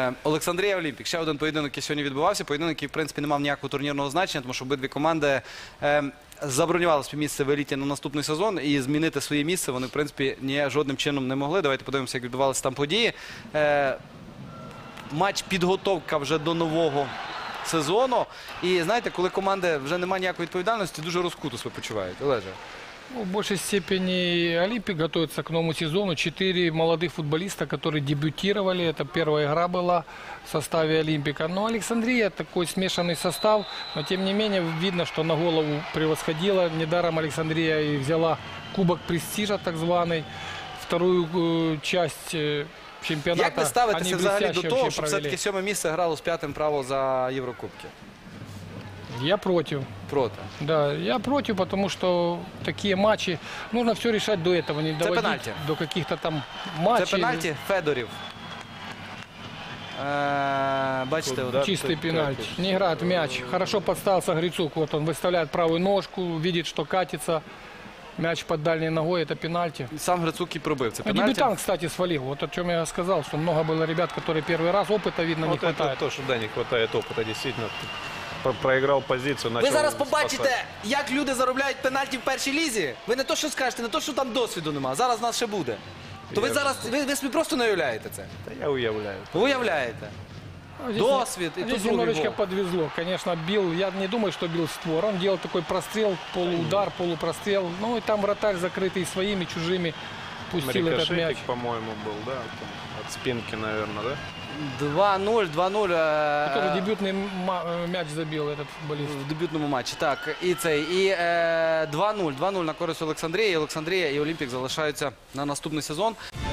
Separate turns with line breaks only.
Олександрія Олімпік. Ще один поєдинок, який сьогодні відбувався. Поєдинок, який, в принципі, не мав ніякого турнірного значення, тому що обидві команди забронювали собі місце в еліті на наступний сезон. І змінити своє місце вони, в принципі, жодним чином не могли. Давайте подивимося, як відбувалися там події. Матч підготовка вже до нового сезону. І, знаєте, коли команди вже немає ніякої відповідальності, дуже розкуто себе почувають. Олеже.
Ну, в большей степени Олимпик готовится к новому сезону. 4 молодых футболиста, которые дебютировали. Это первая игра была в составе Олимпика. Но Александрия такой смешанный состав. Но тем не менее видно, что на голову превосходила. Недаром Александрия и взяла кубок престижа, так званый. Вторую часть чемпионата.
Як ви ставитеся взагалі до того, щоб
провели.
все-таки 7 місце грало з 5-м право за Єврокубки?
Я против.
Проти.
Да, я против, потому что такие матчи нужно все решать до этого, не доводить
пенальти.
до каких-то там матчей.
Це пенальті Федорів. Бачите,
Вот, чистый пенальти. Не играет в мяч. Хорошо подставился Грицук. Вот он выставляет правую ножку, видит, что катится. Мяч под дальней ногой, это пенальти.
сам Грицук і пробив. Це
Ну,
пенальті.
дебютант, кстати, свалил. Вот о чем я сказал, что много было ребят, которые первый раз, опыта, видно, не
Вот это
хватает.
то, что, да, не хватает опыта, действительно. Проиграл позицию,
Ви
начал
зараз побачите,
спасать.
як люди заробляють пенальті в першій лізі. Ви не то, що скажете, не то, що там досвіду нема. Зараз в нас ще буде. То ви зараз, ви собі просто не уявляєте це.
Да я уявляю.
Ви уявляєте.
Ну, здесь
Досвід і
здесь
тут другий
немножечко
гол.
подвезло. Конечно, бил, я не думаю, что бил в створ. Он делал такой прострел, полуудар, полупрострел. Ну и там вратарь, закрытый своими, чужими, пустил этот мяч.
Рикошетик, по-моему, был, да? Там от спинки, наверное, да?
2-0, 2-0
Тоже дебютный мяч забил этот футболист.
в дебютному матчі. Так, і цей, і 2-0. 2-0 на користь Олександрії. Олександрія і Олімпік залишаються на наступний сезон.